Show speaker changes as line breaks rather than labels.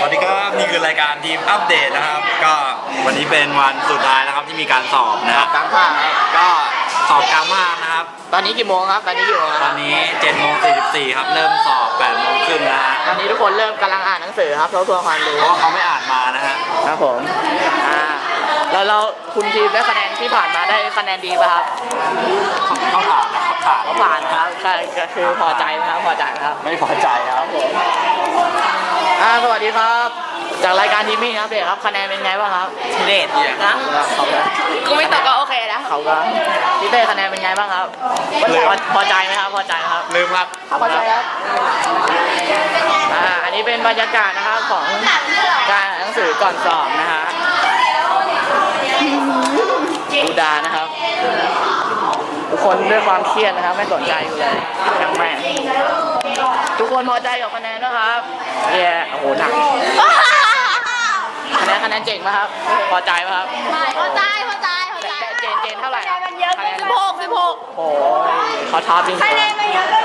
วัสดีครับนี่คือรายการทีมอัปเดตนะครับก็วันนี้เป็นวันสุดท้ายนะครับที่มีการสอบนะครับ
กลางภาคครับ
ก็สอบกลางภาคนะครับ
ตอนนี้กี่โมงครับ ตอนนี้กี่โมง
ตอนนี้7:44ครับเริ่มสอบ8:30นะฮะ
ตอนนี้ทุกคนเริ่มกำลังอ่านหนังสือครับทบทวนความรู้
เพราะว่าเขาไม่อ่านมานะฮะ
ครับผมแล้วคุณทีมได้คะแนนที่ผ่านมาได้คะแนนดีป่ะครับ
เขาผ่านนะครับผ่าน
ก็ผ่านนะครับก็คือพอใจนะครับพอใจนะครับ
ไม่พอใจครับ
สวัสดีครับ จากรายการทีมมิ่งครับเด็กครับคะแนนเป็นไงบ้างครับเด็ดนะเขาก็
กูไม่ตกก็โอเคแล้ว
เขาก็พี่เต้คะแนนเป็นไงบ้างครับพอใจไหมครับพอใจไหมครับ
ลืมครับ
พอใจครับอันนี้เป็นบรรยากาศนะครับของการอ่านหนังสือก่อนสอบนะฮะดูดานะครับทุกคนด้วยความเครียดนะครับไม่สนใจอยู่เลยช่างแม่งทุกคนพอใจกับคะแนนนะครับเย้โอ้โหหนักคะแนนเจ๋งไหมครับพอใจไหมครับ
พอใจ
เจนเท่าไหร่ครับ
16
โอ้ยเขาท้าจริง
คะแนนมันเยอะ